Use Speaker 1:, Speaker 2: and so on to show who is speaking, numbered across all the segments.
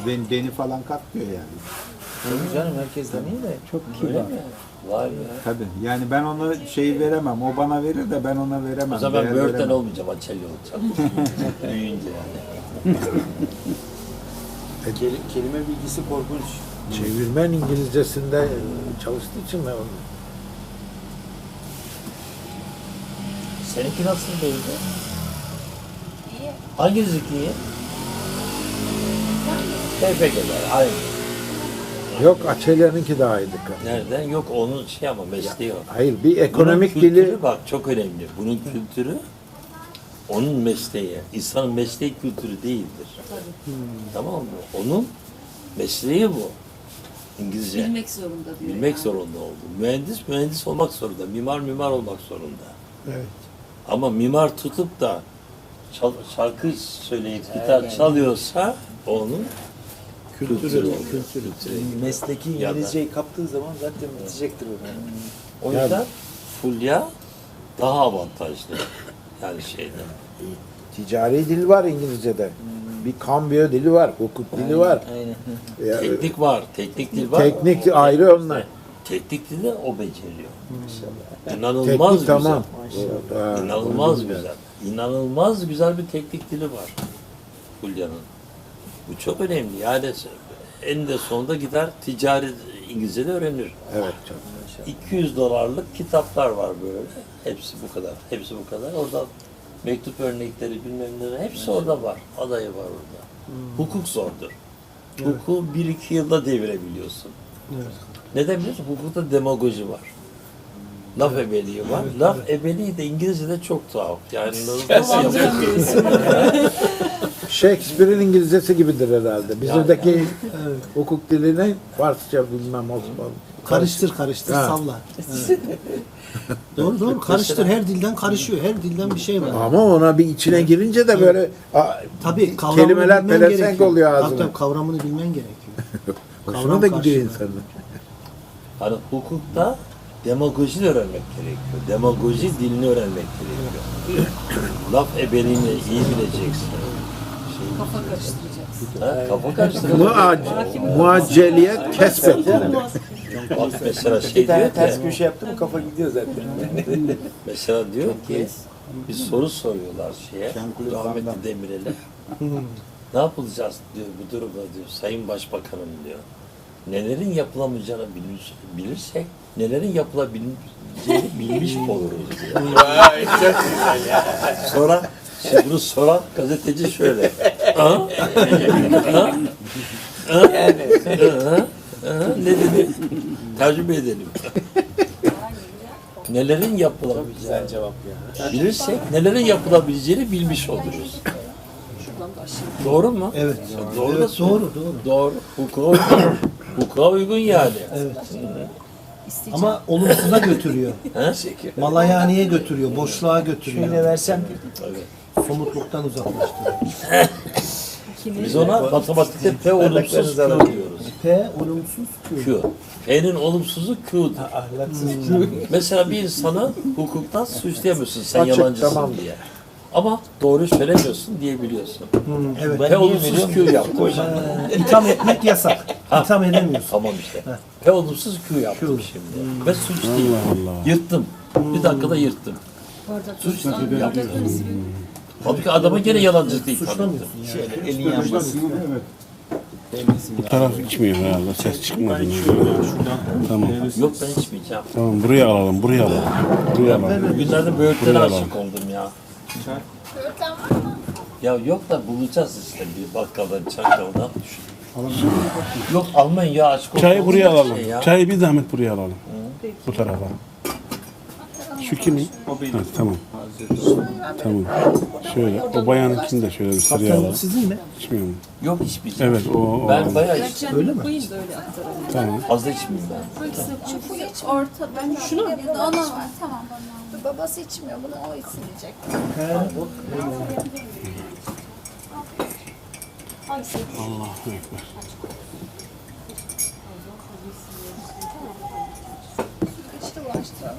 Speaker 1: Beni falan katmıyor yani.
Speaker 2: Tabii canım herkesten iyi de.
Speaker 1: Çok
Speaker 2: Öyle
Speaker 1: kibar.
Speaker 2: mi? Var ya.
Speaker 1: Tabii. Yani ben ona şey veremem. O bana verir de ben ona veremem.
Speaker 3: O zaman
Speaker 1: değer
Speaker 3: böğürtlen
Speaker 1: veremem.
Speaker 3: olmayacağım, açelli olacağım. Büyüyünce yani.
Speaker 2: Kelime bilgisi korkunç.
Speaker 4: Çevirmen İngilizcesinde çalıştığı için mi?
Speaker 3: Seninki nasıl değildi?
Speaker 5: İyi.
Speaker 3: Hanginiz iyi? TPG'ler, aynı.
Speaker 4: Yok, Açelya'nınki daha iyiydi.
Speaker 3: Nereden? Yok onun şey ama mesleği o.
Speaker 4: Hayır, bir ekonomik
Speaker 3: Bunun kültürü
Speaker 4: dili.
Speaker 3: bak çok önemli. Bunun kültürü onun mesleği. İnsanın mesleği kültürü değildir. Tamam mı? Onun mesleği bu. İngilizce.
Speaker 5: Bilmek zorunda diyor.
Speaker 3: Bilmek zorunda oldu. Mühendis olmak zorunda. Mimar olmak zorunda.
Speaker 4: Evet.
Speaker 3: Ama mimar tutup da şarkı söyleyip gitar çalıyorsa onun kültürü.
Speaker 2: Mesleki İngilizceyi kaptığı zaman zaten bitecektir o.
Speaker 3: O yüzden Fulya daha avantajlı. Yani şeyde.
Speaker 4: Ticari dil var İngilizce'de. Bir kambiyo dili var, hukuk dili var.
Speaker 2: Aynen.
Speaker 4: Ya,
Speaker 3: Teknik var, teknik dil var.
Speaker 4: Teknik ayrı onlar.
Speaker 3: Teknik dili o beceriyor. İnanılmaz
Speaker 4: teknik
Speaker 3: güzel.
Speaker 4: tamam.
Speaker 3: İnanılmaz güzel. İnanılmaz güzel bir teknik dili var Fulya'nın. Bu çok önemli. Yani en de sonunda gider ticari İngilizce de öğrenir.
Speaker 4: Evet. Çok.
Speaker 3: $200 kitaplar var böyle. Hepsi bu kadar. Hepsi bu kadar. Orada mektup örnekleri bilmem neler hepsi orada var. Adayı var orada. Hukuk zordur. Hukuku 1-2 yılda devirebiliyorsun. Neden biliyorsun? Hukukta demagoji var. Laf ebeliği var. Laf ebeliği de İngilizce'de çok tuhaf. Yani nasıl yapıyorsun?
Speaker 4: Shakespeare'in İngilizcesi gibidir herhalde. Bizdeki hukuk dilini Farsça bilmem Osmanlı.
Speaker 6: Karıştır
Speaker 4: Ha.
Speaker 6: salla. Evet. Doğru karıştır, her dilden karışıyor, her dilden bir şey var.
Speaker 4: Ama ona bir içine girince de böyle
Speaker 6: Tabii kavramını
Speaker 4: kelimeler
Speaker 6: bilmen
Speaker 4: pelesenk
Speaker 6: gerekiyor.
Speaker 4: oluyor ağzına.
Speaker 6: Tabii kavramını bilmen gerekiyor.
Speaker 4: Hoşuna
Speaker 6: Kavram
Speaker 4: da gidiyor
Speaker 6: karşılığı.
Speaker 4: insanın.
Speaker 3: Hani hukukta demagoji de öğrenmek gerekiyor. Demagoji dilini öğrenmek gerekiyor. Laf ebeliğini iyi bileceksin.
Speaker 5: Kafa karıştıracaksın.
Speaker 3: Kafa karıştırmak.
Speaker 4: Muacceliyet kesbet.
Speaker 3: Bak mesela
Speaker 2: Bir
Speaker 3: şey
Speaker 2: tane
Speaker 3: diyor
Speaker 2: ters
Speaker 3: ki,
Speaker 2: köşe yaptı mı kafa gidiyor zaten.
Speaker 3: mesela diyor ki, bir soru soruyorlar rahmetli Demirel'e. Ne yapılacağız diyor bu durumda diyor, Sayın Başbakanım diyor. Nelerin yapılamayacağını bilirsek, nelerin yapılabileceğini bilmiş oluruz diyor. Sonra, şimdi bunu soran gazeteci şöyle. Ne dedi? Tercüme edelim. Nelerin yapılabileceğini
Speaker 2: Cevap ya.
Speaker 3: bilirsek, nelerin yapılabileceğini bilmiş oluruz. Doğru mu?
Speaker 6: Evet.
Speaker 3: Doğru da
Speaker 6: Evet, doğru.
Speaker 3: Doğru. Hukuka uygun yani.
Speaker 6: Evet. Ama olumsuza götürüyor.
Speaker 3: He?
Speaker 6: Malayaniye götürüyor, boşluğa götürüyor.
Speaker 2: Şöyle versem
Speaker 6: Somutluktan uzaklaştırıyor.
Speaker 3: Biz ona matematikte P olumsuz Q diyoruz.
Speaker 6: P olumsuz Q.
Speaker 3: Q. P'nin olumsuzu Q'dur.
Speaker 2: ahlaksız.
Speaker 3: Mesela bir insanı hukuktan suçlayamıyorsun sen
Speaker 4: Açık,
Speaker 3: yalancısın
Speaker 4: tamam.
Speaker 3: diye. Ama doğru söylemiyorsun diyebiliyorsun.
Speaker 6: Evet.
Speaker 3: P olumsuz Q yaptım.
Speaker 6: İtham etmek yasak. İtham edemiyorsun.
Speaker 3: Tamam işte. P olumsuz Q yaptım şimdi. Ve suç değil. Yırttım. Bir dakikada yırttım. Suç değil. Yaptım. Halbuki adama gene yalancılıkla itham ettim.
Speaker 2: Şöyle elin yanmasın.
Speaker 7: Bu taraf içmiyor herhalde. Ses çıkmadı. Tamam.
Speaker 3: Yok ben içmeyeceğim.
Speaker 7: Tamam buraya alalım. Buraya alalım. Buraya alalım.
Speaker 3: Bugünlerde böğürtlere
Speaker 7: Buraya
Speaker 3: aşık
Speaker 7: alalım.
Speaker 3: oldum ya.
Speaker 5: Böğürtlen var mı?
Speaker 3: Ya yok da bulacağız işte bir bakkaldan, çakkaldan. Yok almayın ya aşk olsun.
Speaker 7: Çayı buraya
Speaker 3: Olacak
Speaker 7: alalım.
Speaker 3: şey ya.
Speaker 7: Çayı bir zahmet buraya alalım. Bu tarafa. Şu kimin? Ha, tamam. Tamam. Şöyle. O bayanınkini de şöyle bir sıraya
Speaker 6: Kaptan
Speaker 7: alalım.
Speaker 6: sizin mi?
Speaker 7: İçmiyor mu?
Speaker 3: Yok içmeyeceğim.
Speaker 7: Evet o.
Speaker 3: Ben bayağı içtim.
Speaker 6: Öyle mi?
Speaker 5: Koyayım da öyle aktaralım.
Speaker 7: Tamam.
Speaker 3: Fazla içmeyeyim ben.
Speaker 5: Şu geç orta. Ben şunu ya da ona var. Tamam. Babası içmiyor. Bunu o içmeyecek.
Speaker 7: Allahu Ekber.
Speaker 5: Kaçta ulaştıralım?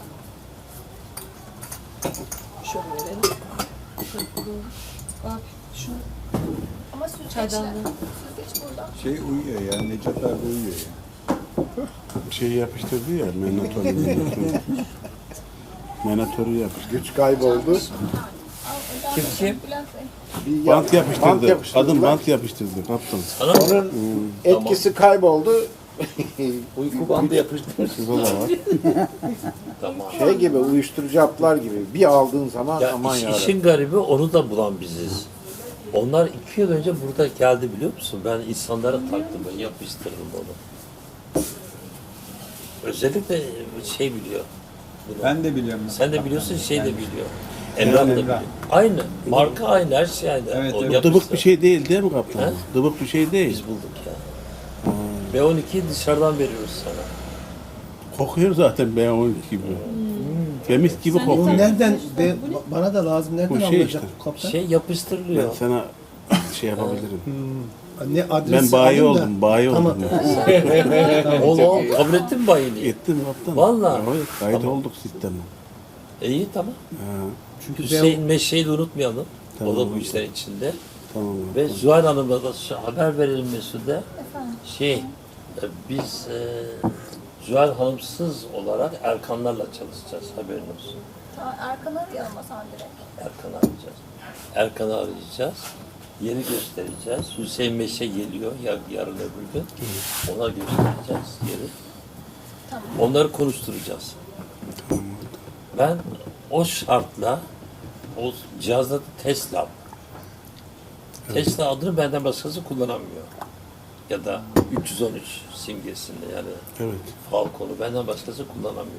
Speaker 5: Şöyle verelim. Abi şunu. Ama süt çaydanlığı. hiç burada.
Speaker 1: Şey uyuyor ya, Necat abi uyuyor ya.
Speaker 7: Şey yapıştırdı ya, menatoru. Menatoru yapıştırdı.
Speaker 4: Güç kayboldu.
Speaker 3: Kim?
Speaker 5: Bülent Bey.
Speaker 4: Bir
Speaker 7: Bant yapıştırdı.
Speaker 4: bant yapıştırdılar.
Speaker 7: Kadın bant yapıştırdı kaptan.
Speaker 3: Sana mı?
Speaker 4: Onun etkisi kayboldu.
Speaker 2: Uyku bandı yapıştırmış.
Speaker 7: Burada da var.
Speaker 3: Tamam.
Speaker 4: Şey gibi, uyuşturucu haplar gibi. Bir aldığın zaman
Speaker 3: Ya
Speaker 4: aman yarabbim.
Speaker 3: işin garibi onu da bulan biziz. Onlar 2 yıl önce burada geldi biliyor musun? Ben insanlara taktım böyle yapıştırdım onu. Özellikle şey biliyor. bunu.
Speaker 1: Ben de biliyorum.
Speaker 3: Sen de biliyorsun, şey de
Speaker 1: Yani-
Speaker 3: biliyor. Emrah da
Speaker 1: Emrah.
Speaker 3: biliyor. Aynı. Marka aynı, her şey aynı.
Speaker 1: Evet,
Speaker 3: O
Speaker 1: evet.
Speaker 3: yapıştı.
Speaker 7: Dıbık bir şey değil değil mi kaptan?
Speaker 3: He?
Speaker 7: Dıbık bir şey değil.
Speaker 3: Biz bulduk ya. B12'yi dışarıdan veriyoruz sana.
Speaker 7: Kokuyor zaten B12 gibi. Temiz gibi
Speaker 6: O
Speaker 7: kokuyor.
Speaker 6: nereden bana da lazım nereden
Speaker 7: Bu şey
Speaker 6: alınacak
Speaker 7: işte.
Speaker 6: kaptan?
Speaker 3: Şey
Speaker 7: Ben
Speaker 3: yapıştırılıyor.
Speaker 7: sana şey yapabilirim.
Speaker 6: Ne adresi
Speaker 7: Ben bayi
Speaker 6: alayım da-
Speaker 7: oldum, bayi
Speaker 6: Tamam.
Speaker 7: oldum. ben.
Speaker 3: Oğlum kabul ettin mi bayiliği?
Speaker 7: Gittim kaptan.
Speaker 3: Vallahi.
Speaker 7: Evet, kayıt
Speaker 3: Tamam.
Speaker 7: olduk sisteme.
Speaker 3: İyi tamam.
Speaker 7: Ha,
Speaker 6: Çünkü
Speaker 3: Hüseyin Meşe'yi de unutmayalım.
Speaker 7: Tamam.
Speaker 3: O da bu işlerin içinde.
Speaker 7: tamam.
Speaker 3: Ve Zuhal Hanım'a da haber verelim Mesut'e.
Speaker 5: Efendim.
Speaker 3: Biz Zuhal Hanımsız olarak Erkanlarla çalışacağız, haberin olsun.
Speaker 5: Tamam, Erkan'ı arayalım o zaman direkt.
Speaker 3: Erkan'ı arayacağız. Erkan'ı arayacağız. Yeri göstereceğiz. Hüseyin Meşe geliyor yarın öbür gün. Ona göstereceğiz yeri.
Speaker 5: Tamam.
Speaker 3: Onları konuşturacağız. Ben o şartla o cihazda Tesla. Tesla adını benden başkası kullanamıyor. Ya da 313 simgesinde yani
Speaker 7: Evet.
Speaker 3: Falcon'u benden başkası kullanamıyor.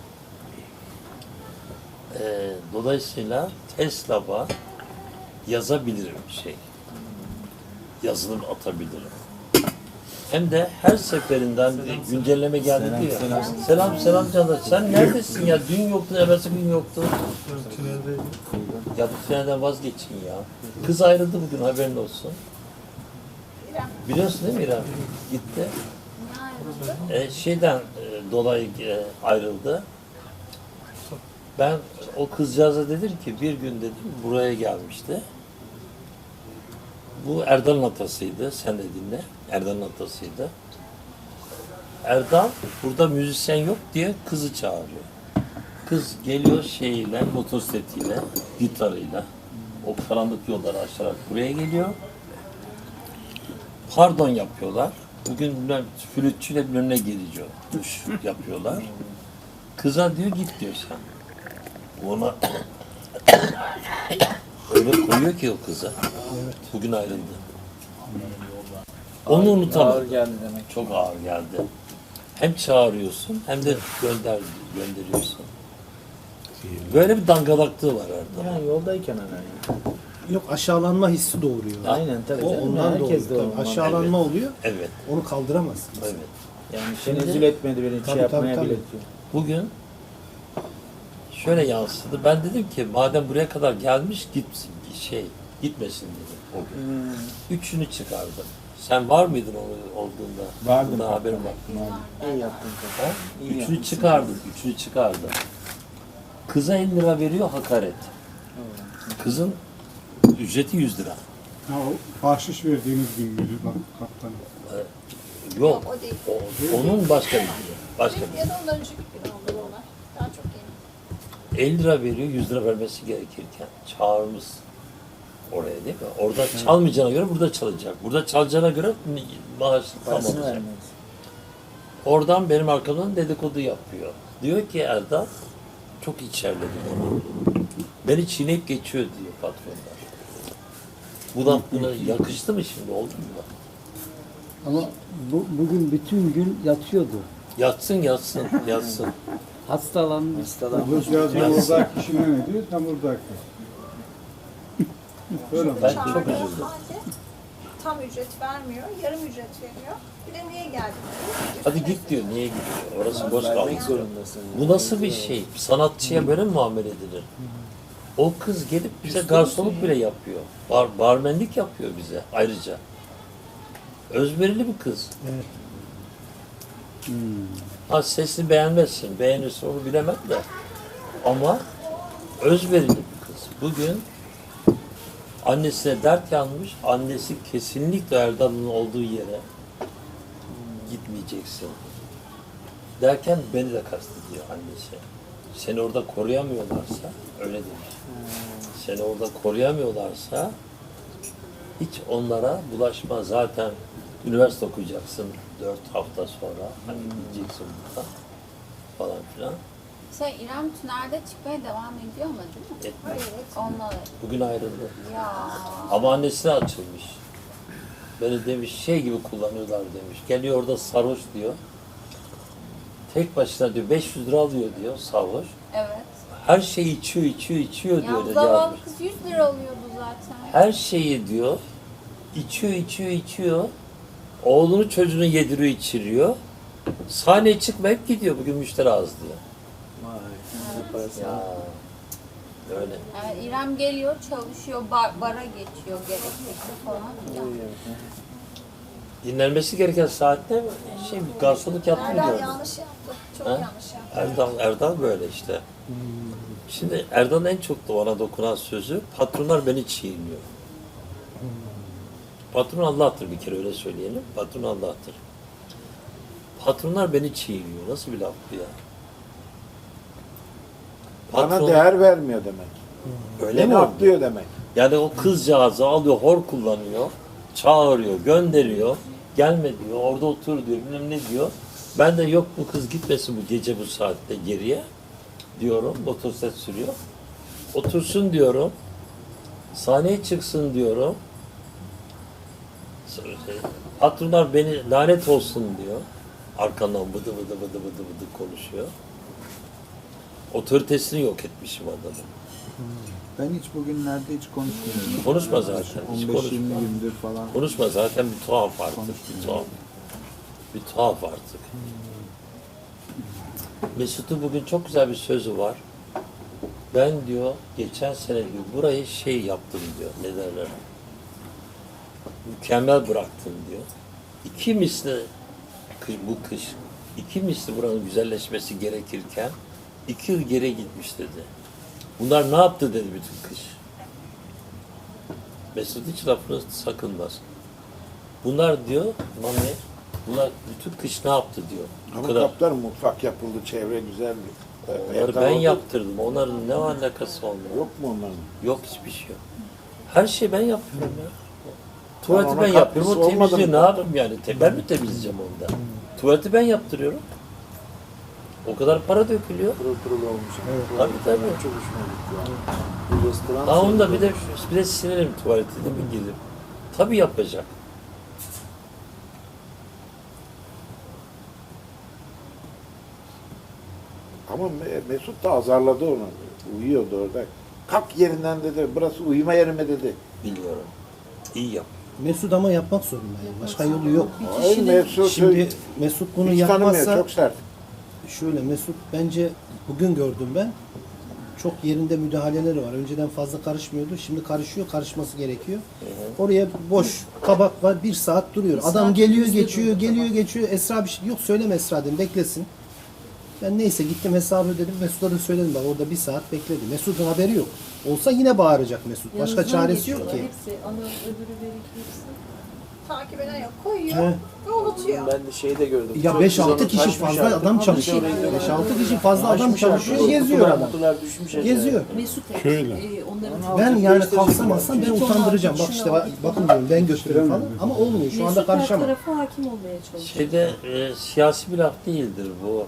Speaker 3: Dolayısıyla Tesla'ya yazabilirim şey. Yazılım atabilirim. Hem de her seferinden bir güncelleme geldi diyor. Selam canım. Sen neredesin ya? Dün yoktun, evvelsi gün yoktun. Ya bu tünelden vazgeçin ya. Kız ayrıldı bugün, haberin olsun.
Speaker 5: İrem.
Speaker 3: Biliyorsun değil mi İrem? Gitti.
Speaker 5: Ne ayrıldı?
Speaker 3: Şeyden dolayı ayrıldı. Ben o kızcağıza dedim ki bir gün dedim buraya gelmişti. Bu Erdal'ın atasıydı. Sen de dinle. Erdal'ın atasıydı. Erdal burada müzisyen yok diye kızı çağırıyor. Kız geliyor şeyiyle, motosikletiyle, gitarıyla. O karanlık yolları aşarak buraya geliyor. Pardon yapıyorlar. Bugün bilmem flütçüyle bir önüne geliyor. Duş yapıyorlar. Kıza diyor git diyor sen. Ona öyle koyuyor ki o kıza. Bugün ayrıldı. Onu unutamadım.
Speaker 2: Ağır geldi demek.
Speaker 3: Çok ağır geldi. Hem çağırıyorsun hem de gönderiyorsun. Böyle bir dangalaklığı var Erdal.
Speaker 2: Yani yoldayken hani.
Speaker 6: Yok, aşağılanma hissi doğuruyor.
Speaker 2: Aynen tabii.
Speaker 6: O
Speaker 2: canım.
Speaker 6: ondan
Speaker 2: Herkes de
Speaker 6: doğuyor.
Speaker 2: ondan.
Speaker 6: Aşağılanma oluyor.
Speaker 3: Evet,
Speaker 6: Onu kaldıramazsın.
Speaker 3: evet.
Speaker 2: Yani
Speaker 3: Şimdi-
Speaker 2: tenezzül etmedi beni,
Speaker 6: Tabii,
Speaker 2: şey yapmaya
Speaker 6: tabii,
Speaker 2: bile
Speaker 6: tabii.
Speaker 2: diyor.
Speaker 3: Bugün şöyle yansıdı. Ben dedim ki madem buraya kadar gelmiş gitmesin dedim o gün. Üçünü çıkardım. Sen var mıydın olduğunda?
Speaker 1: Vardım.
Speaker 3: Bundan haberim var.
Speaker 2: İyi yaptın
Speaker 3: Ha?
Speaker 2: kanka. İyi
Speaker 3: Üçünü
Speaker 2: yaptın.
Speaker 3: çıkardım. Kıza 50 lira veriyor hakaret. Kızın ücreti 100 lira.
Speaker 8: Ha, o bahşiş verdiğiniz gün müydü bak kaptanım?
Speaker 3: Yok.
Speaker 5: O değil.
Speaker 3: Onun başka bir günü. Başka bir
Speaker 5: Ya da ondan önceki gün oldu bu olay. Daha çok yeni.
Speaker 3: 50 lira veriyor, 100 lira vermesi gerekirken çağırmış oraya değil mi? Orada çalmayacağına göre burada çalacak. Burada çalacağına göre maaş tam
Speaker 2: Parasını
Speaker 3: olacak.
Speaker 2: vermeyiz.
Speaker 3: Oradan benim arkamdan dedikodu yapıyor. Diyor ki Erdal, çok içerledi bana. Beni çiğneyip geçiyor diyor patronlar. Buna yakıştı mı şimdi, oldu mu?
Speaker 9: Ama bugün bütün gün yatıyordu.
Speaker 3: Yatsın.
Speaker 9: Hastalanmış.
Speaker 8: Öbür oradaki kişi ne diyor? Tam oradaki. Böyle mi?
Speaker 3: Ben çok
Speaker 5: Çağırdığı
Speaker 3: üzüldüm.
Speaker 5: halde tam ücret vermiyor, yarım ücret veriyor. Bir de niye geldin diyor.
Speaker 3: Hadi git diyor, niye gidiyor? Orası boş
Speaker 2: Vermek
Speaker 3: kalmış.
Speaker 2: zorundasın.
Speaker 3: Bu nasıl bir şey? Sanatçıya böyle mi muamele edilir? O kız gelip bize garsonluk bile yapıyor. Barmenlik yapıyor bize ayrıca. Özverili bir kız.
Speaker 6: Evet.
Speaker 3: Ha sesini beğenmezsin, beğenirsin onu bilemem de. Ama özverili bir kız. Bugün Annesine dert yanmış. Annesi kesinlikle Erdal'ın olduğu yere gitmeyeceksin. Derken beni de kastediyor annesi. Seni orada koruyamıyorlarsa, öyle demiş. Seni orada koruyamıyorlarsa hiç onlara bulaşma. Zaten üniversite okuyacaksın 4 hafta sonra. Hani gideceksin buradan falan filan.
Speaker 5: İrem tünelde çıkmaya devam ediyor mu değil mi?
Speaker 3: Etmez.
Speaker 5: Onunla
Speaker 3: Bugün ayrıldı.
Speaker 5: ya.
Speaker 3: Ama annesine açılmış. Beni demiş şey gibi kullanıyorlar demiş. Geliyor orada sarhoş diyor. Tek başına diyor 500 lira alıyor diyor sarhoş.
Speaker 5: Evet.
Speaker 3: Her şeyi içiyor diyor.
Speaker 5: Ya
Speaker 3: da
Speaker 5: zavallı
Speaker 3: yazmış.
Speaker 5: kız 100 lira alıyordu zaten.
Speaker 3: Her şeyi diyor içiyor. Oğlunu çocuğunu yediriyor içiriyor. Sahneye çıkmayıp gidiyor. Bugün müşteri az diyor.
Speaker 2: Vay. Yaparsın.
Speaker 3: Ya öyle.
Speaker 5: Yani İrem geliyor, çalışıyor, bara geçiyor gerekirse falan. filan.
Speaker 3: Dinlenmesi gereken saatte garsonluk yaptım
Speaker 5: Erdal
Speaker 3: gördüm.
Speaker 5: yanlış yaptı. Çok
Speaker 3: Ha?
Speaker 5: yanlış yaptı.
Speaker 3: Erdal böyle işte. Şimdi Erdal'ın en çok da ona dokunan sözü patronlar beni çiğniyor. Patron Allah'tır bir kere öyle söyleyelim. Patron Allah'tır. Patronlar beni çiğniyor. Nasıl bir laf bu ya?
Speaker 4: Bana değer vermiyor demek.
Speaker 3: öyle mi
Speaker 4: Beni
Speaker 3: oldu?
Speaker 4: atlıyor demek.
Speaker 3: Yani o kızcağızı alıyor, hor kullanıyor, çağırıyor, gönderiyor, gelme diyor, orada otur diyor, bilmem ne diyor. Ben de yok bu kız gitmesin bu gece bu saatte geriye diyorum, motosiklet sürüyor. Otursun diyorum, sahneye çıksın diyorum. Patronlar beni lanet olsun diyor. Arkandan bıdı bıdı konuşuyor. Otoritesini yok etmişim adamı.
Speaker 1: Ben hiç bugünlerde hiç konuşmuyorum.
Speaker 3: Konuşma zaten, hiç
Speaker 1: 15-20
Speaker 3: konuşma.
Speaker 1: gündür falan.
Speaker 3: Konuşma zaten bir tuhaf artık. Bir tuhaf artık. Mesut'un bugün çok güzel bir sözü var. Ben diyor geçen sene diyor burayı şey yaptım diyor. Ne derler? Mükemmel bıraktım diyor. İki misli bu kış iki misli buranın güzelleşmesi gerekirken 2 yıl geri gitmiş dedi. Bunlar ne yaptı dedi bütün kış. Mesut hiç lafını sakınmaz. Bunlar diyor, Mami, bunlar bütün kış ne yaptı diyor. Bu
Speaker 4: Ama
Speaker 3: kadar.
Speaker 4: kaplar mutfak yapıldı, çevre güzeldi.
Speaker 3: Onları ben yaptırdım. Onların ne alakası olmuyor?
Speaker 4: Yok mu onların?
Speaker 3: Yok hiçbir şey yok. Her şeyi ben yapıyorum ya. Tuvaleti
Speaker 4: ona
Speaker 3: ben yapıyorum. O
Speaker 4: katkısı olmadı
Speaker 3: temizliği
Speaker 4: mı?
Speaker 3: ne yapayım yani? Ben mi temizleyeceğim onda? Tuvaleti ben yaptırıyorum. O kadar para dökülüyor.
Speaker 2: Pırıl pırıl olmuş. Evet.
Speaker 3: Tabii.
Speaker 2: Çok hoşuma gitti yani. Bir restoran.
Speaker 3: Ha onda bir de sinirim tuvaleti de mi gidip? Tabii yapacak.
Speaker 4: Ama Mesut da azarladı onu. Uyuyordu orada. Kalk yerinden dedi. Burası uyuma yeri mi dedi.
Speaker 3: Biliyorum. İyi yap.
Speaker 6: Mesut ama yapmak zorunda yani. Başka yolu yok.
Speaker 4: Hayır, Mesut
Speaker 6: Şimdi Mesut bunu
Speaker 4: hiç tanımıyor.
Speaker 6: yapmazsa
Speaker 4: Çok sert.
Speaker 6: şöyle Mesut bence bugün gördüm ben. Çok yerinde müdahaleleri var. Önceden fazla karışmıyordu. Şimdi karışıyor. Karışması gerekiyor. Oraya boş tabak var. 1 saat duruyor. Adam geliyor geçiyor. Geliyor geçiyor. Esra bir şey yok. Söyleme Esra dedim. Beklesin. Ben neyse gittim hesabı ödedim. Mesut'a da söyledim. Bak orada 1 saat bekledi. Mesut'un haberi yok. Olsa yine bağıracak Mesut. Başka çaresi yok ki.
Speaker 10: Hepsi, ana öbürü verik hepsi.
Speaker 5: Takip eden yok. Koyuyor.
Speaker 6: He.
Speaker 5: Ve unutuyor.
Speaker 2: Ben de şeyde gördüm.
Speaker 6: Ya
Speaker 2: Çok
Speaker 6: 5-6
Speaker 2: güzel
Speaker 6: kişi
Speaker 2: taşmış
Speaker 6: fazla
Speaker 2: artık.
Speaker 6: adam çalışıyor.
Speaker 2: Taşmış orayı.
Speaker 6: 5-6 kişi fazla adam
Speaker 2: Taşmış
Speaker 6: çalışıyor.
Speaker 2: artık.
Speaker 6: Geziyor adam.
Speaker 2: Kutular düşmüş aşağıya.
Speaker 6: Geziyor.
Speaker 10: Mesut hep
Speaker 7: Şöyle.
Speaker 10: onların
Speaker 6: Ben yani kalksam alsam ben utandıracağım. Bak işte bakın diyorum ben götürüyorum falan. Ama olmuyor. Şu anda
Speaker 10: Mesut her
Speaker 6: karışamam.
Speaker 10: tarafa hakim olmaya çalışıyor.
Speaker 3: Şeyde siyasi bir laf değildir bu.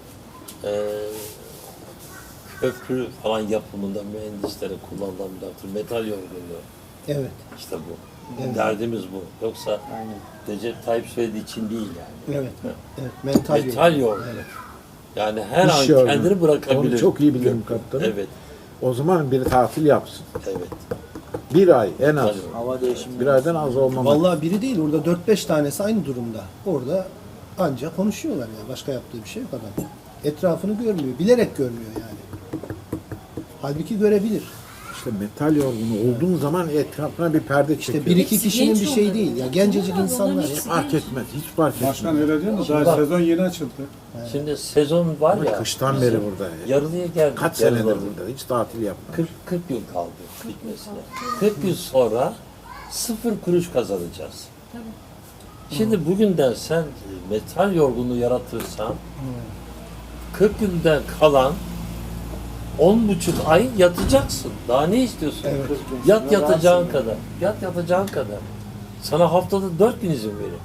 Speaker 3: Köprü falan yapımında mühendislere kullanılan bir laftır. Metal yorgunluğu.
Speaker 6: Evet.
Speaker 3: İşte bu.
Speaker 6: Evet.
Speaker 3: Derdimiz bu. Yoksa Recep Tayyip söylediği için değil yani.
Speaker 6: Evet. Evet. Mental,
Speaker 3: Metal
Speaker 6: yok.
Speaker 3: yorgunluğu.
Speaker 6: Evet.
Speaker 3: Yani her
Speaker 4: İş
Speaker 3: an
Speaker 4: yorgunluğu.
Speaker 3: kendini bırakabilir.
Speaker 4: Onu çok iyi bilirim kaptanım.
Speaker 3: Evet.
Speaker 4: O zaman bir tatil yapsın.
Speaker 3: Evet.
Speaker 4: 1 ay en az.
Speaker 3: Tabii.
Speaker 2: Hava değişimi.
Speaker 4: 1 aydan az olmamak.
Speaker 6: Vallahi biri değil. Orada 4-5 tanesi aynı durumda. Orada ancak konuşuyorlar yani. Başka yaptığı bir şey yok adam. Etrafını görmüyor. Bilerek görmüyor yani. Halbuki görebilir.
Speaker 4: İşte metal yorgunu olduğun zaman etrafına bir perde
Speaker 6: İşte
Speaker 4: çekiyor.
Speaker 6: 1-2
Speaker 10: Hepsi
Speaker 6: kişinin
Speaker 10: genç
Speaker 6: bir şey
Speaker 10: onların
Speaker 6: değil.
Speaker 10: ya.
Speaker 6: Ya gencecik
Speaker 10: Onların
Speaker 6: insanlar.
Speaker 10: hepsi
Speaker 4: Fark etmez. Hiç fark etmez.
Speaker 8: Başkan öyle diyor mu? Daha
Speaker 3: Bak.
Speaker 8: sezon yeni açıldı.
Speaker 3: Şimdi sezon var
Speaker 4: Ama
Speaker 3: ya.
Speaker 4: kıştan beri burada.
Speaker 3: Yarılıya geldik.
Speaker 4: Kaç senedir
Speaker 3: yarıladı.
Speaker 4: burada. Hiç tatil yapmadı.
Speaker 3: 40 yıl kaldı bitmesine. 40 yıl sonra sıfır kuruş kazanacağız. Şimdi bugünden sen metal yorgunluğu yaratırsan 40 günden kalan 10,5 ay yatacaksın. Daha ne istiyorsun?
Speaker 6: Evet.
Speaker 3: Yat yatacağın kadar. Yat yatacağın kadar. Sana haftada 4 gün izin verin.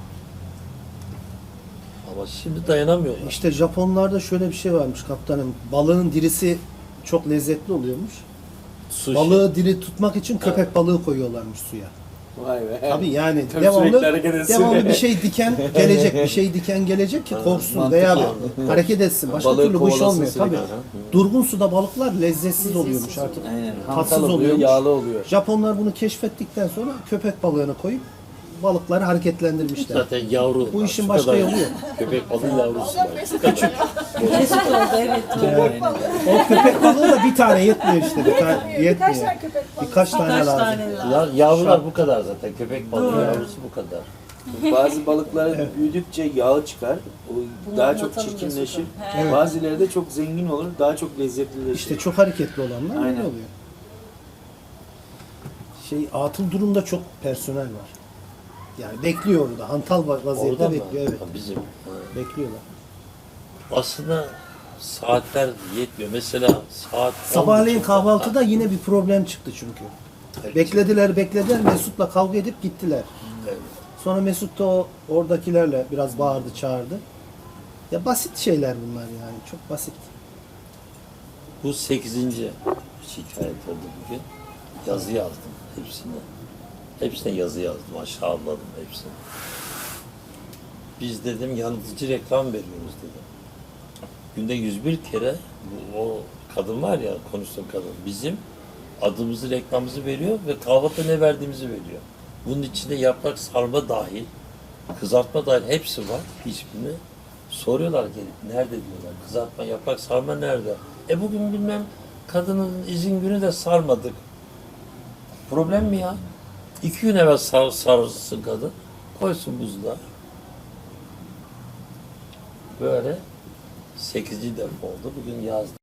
Speaker 3: Ama şimdi dayanamıyorlar.
Speaker 6: İşte Japonlarda şöyle bir şey varmış kaptanım. Balığın dirisi çok lezzetli oluyormuş.
Speaker 3: Sushi.
Speaker 6: Balığı diri tutmak için köpek balığı koyuyorlarmış suya.
Speaker 2: Vay be.
Speaker 6: Tabii yani
Speaker 2: Tabii sürekli hareket etsin.
Speaker 6: devamlı bir şey diken gelecek, bir şey diken gelecek ki korksun
Speaker 2: mantıklı.
Speaker 6: veya hareket etsin. Başka
Speaker 2: Balığı
Speaker 6: türlü bu iş
Speaker 2: kovalasın
Speaker 6: olmuyor.
Speaker 2: sürekli.
Speaker 6: Tabii. Durgun suda balıklar lezzetsiz oluyormuş artık.
Speaker 2: Aynen.
Speaker 6: Tatsız
Speaker 2: Hantal oluyor,
Speaker 6: oluyormuş.
Speaker 2: yağlı oluyor.
Speaker 6: Japonlar bunu keşfettikten sonra köpek balığını koyup balıkları hareketlendirmişler.
Speaker 3: Zaten yavru.
Speaker 6: Bu işin
Speaker 3: Şu
Speaker 6: başka
Speaker 3: kadar
Speaker 6: yolu yok.
Speaker 3: Köpek balığı yavrusu var.
Speaker 10: Mesut oldu evet.
Speaker 6: O köpek balığı da bir tane yetmiyor işte. Yetmiyor. Birkaç tane
Speaker 10: Kaç
Speaker 6: lazım.
Speaker 10: tane lazım?
Speaker 3: Ya, yavrular bu kadar zaten. Köpek balığı yavrusu bu kadar.
Speaker 2: Bazı balıklar büyüdükçe yağı çıkar. O
Speaker 10: Bunu
Speaker 2: daha çok
Speaker 10: anlatalım
Speaker 2: çirkinleşir.
Speaker 10: Mesut'um.
Speaker 6: Evet.
Speaker 2: Bazıları da çok zengin olur, daha çok lezzetlileşir.
Speaker 6: İşte çok hareketli olanlar öyle
Speaker 2: Aynen.
Speaker 6: oluyor. Atıl durumda çok personel var. Yani bekliyor orada. Hantal vaziyette
Speaker 3: Orada mı?
Speaker 6: bekliyor. Evet.
Speaker 3: Ha, bizim. Ha.
Speaker 6: Bekliyorlar.
Speaker 3: Aslında saatler yetmiyor. Mesela saat
Speaker 6: Sabahleyin
Speaker 3: 10.30'da
Speaker 6: kahvaltıda yine bir problem çıktı çünkü.
Speaker 3: Evet.
Speaker 6: Beklediler. Mesut'la kavga edip gittiler.
Speaker 3: Evet.
Speaker 6: Sonra Mesut da oradakilerle biraz bağırdı, çağırdı. Ya basit şeyler bunlar yani. Çok basit.
Speaker 3: Bu 8. şikayet oldu bugün. Yazı yazdım hepsine. Hepsine yazı yazdım. Aşağıladım hepsini. Biz dedim yanıltıcı reklam veriyoruz dedim. Günde 101 kere o kadın var ya, konuştuğum kadın, bizim adımızı, reklamımızı veriyor ve kahvaltıda ne verdiğimizi veriyor. Bunun içinde yaprak sarma dahil, kızartma dahil hepsi var. Hiçbirini soruyorlar gelip, nerede diyorlar. Kızartma, yaprak sarma nerede? Bugün bilmem kadının izin günü de sarmadık. Problem mi ya? 2 gün evvel sarsın kadın. Koysun buzluğa. Böyle 8. defa oldu. Bugün yazdım.